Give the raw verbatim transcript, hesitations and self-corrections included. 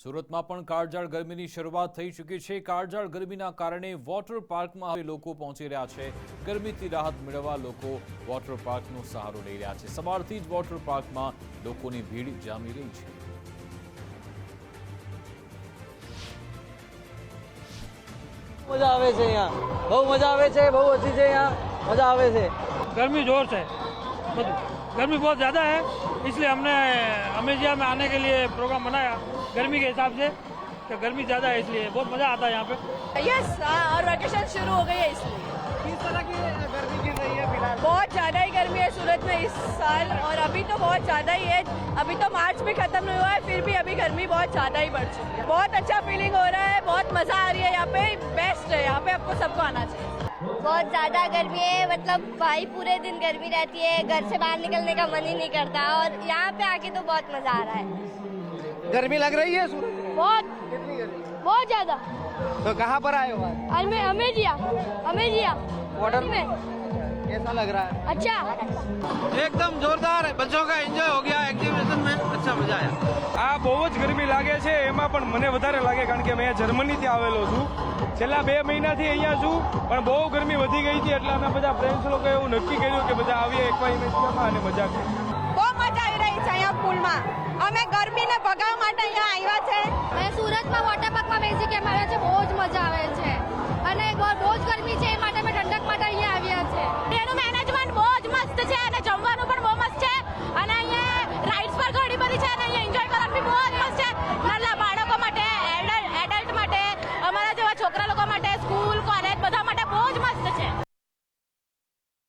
સુરતમાં પણ કાળઝાળ ગરમીની શરૂઆત થઈ ચૂકી છે। કાળઝાળ ગરમીના કારણે વોટર પાર્કમાં હવે લોકો પહોંચી રહ્યા છે। ગરમીથી રાહત મેળવવા લોકો વોટર પાર્કનો સહારો લઈ રહ્યા છે। સવારથી જ વોટર પાર્કમાં લોકોની ભીડ જામી રહી છે। मजा आवे छे यहाँ बहुत मजा आवे छे बहुत अच्छी छे यहाँ मजा आवे छे। गर्मी जोर से गर्मी बहुत ज़्यादा है इसलिए हमने अमेजिया में आने के लिए प्रोग्राम बनाया गर्मी के हिसाब से कि गर्मी ज़्यादा है इसलिए बहुत मज़ा आता है यहाँ पे। यस और वैकेशन शुरू हो गई है इसलिए। किस तरह की गर्मी गिर रही है फिलहाल? बहुत ज़्यादा ही गर्मी है सूरत में इस साल और अभी तो बहुत ज़्यादा ही है। अभी तो मार्च भी खत्म नहीं हुआ है फिर भी अभी गर्मी बहुत ज़्यादा ही बढ़ चुकी है। बहुत अच्छा फीलिंग हो रहा है बहुत मज़ा आ रही है यहाँ पे बेस्ट है यहाँ पे आपको सबको आना चाहिए। बहुत ज़्यादा गर्मी है मतलब भाई पूरे दिन गर्मी रहती है घर से बाहर निकलने का मन ही नहीं करता और यहाँ पे आके तो बहुत मज़ा आ रहा है। गर्मी लग रही है सूरत में? बहुत कितनी गर्मी? बहुत ज़्यादा। तो कहाँ पर आए हो आज? हमें अमेजिया अमेजिया वाटर में कैसा लग रहा है? अच्छा एकदम जोरदार है बच्चों का एंजॉय हो गया एक्टिविटी में अच्छा मजा आया। આ બહુ જ ગરમી લાગે છે એમાં પણ મને વધારે લાગે કારણ કે મેં જર્મનીથી આવેલો છું છેલ્લા બે મહિનાથી અહીંયા છું પણ બહુ ગરમી વધી ગઈ હતી એટલે અમે બધા ફ્રેન્ડ્સ લોકોએ એવું નક્કી કર્યું કે બધા આવીએ એકવાર ઇમેજિયામાં અને મજા કરીએ। બહુ મજા આવી રહી છે અહીંયા પુલમાં અમે ગરમીને ભગાવવા માટે અહીંયા આવ્યા છે। मैं सूरत में वॉटर पार्क में बेसी के આવ્યા છે બહુ જ મજા આવે છે અને બહુ જ ગરમી છે એ માટે અમે ઠંડક માટે અહીંયા આવ્યા છે। એનું મેનેજમેન્ટ બહુ જ મસ્ત છે અને